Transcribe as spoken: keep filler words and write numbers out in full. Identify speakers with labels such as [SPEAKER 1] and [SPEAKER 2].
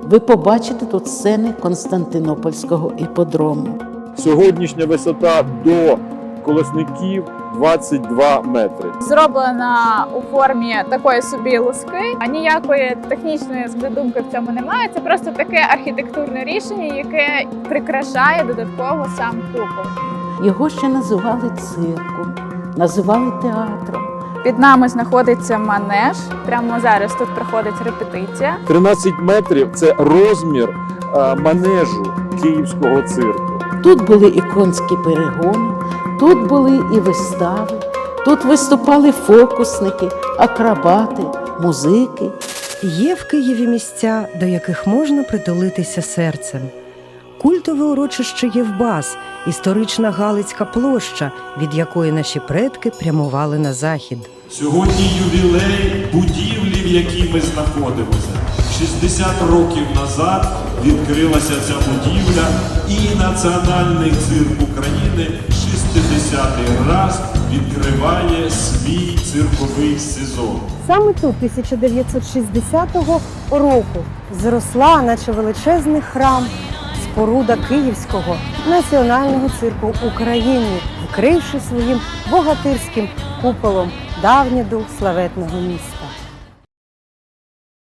[SPEAKER 1] ви побачите тут сцени Константинопольського іпподрому.
[SPEAKER 2] Сьогоднішня висота до колесників двадцять два метри.
[SPEAKER 3] Зроблена у формі такої собі луски, а ніякої технічної задумки в цьому немає. Це просто таке архітектурне рішення, яке прикрашає додатково сам купол.
[SPEAKER 1] Його ще називали цирком, називали театром.
[SPEAKER 3] Під нами знаходиться манеж. Прямо зараз тут проходить репетиція.
[SPEAKER 2] тринадцять метрів – це розмір а, манежу київського цирку.
[SPEAKER 1] Тут були і конські перегони, тут були і вистави, тут виступали фокусники, акробати, музики.
[SPEAKER 4] Є в Києві місця, до яких можна притулитися серцем. Культове урочище Євбас, історична Галицька площа, від якої наші предки прямували на захід.
[SPEAKER 5] Сьогодні ювілей будівлі, в якій ми знаходимося. шістдесят років назад відкрилася ця будівля, і Національний цирк України шістдесятий раз відкриває свій цирковий сезон.
[SPEAKER 6] Саме тут тисяча дев'ятсот шістдесятого року зросла, наче величезний храм, споруда Київського національного цирку України, вкривши своїм богатирським куполом давній дух славетного міста.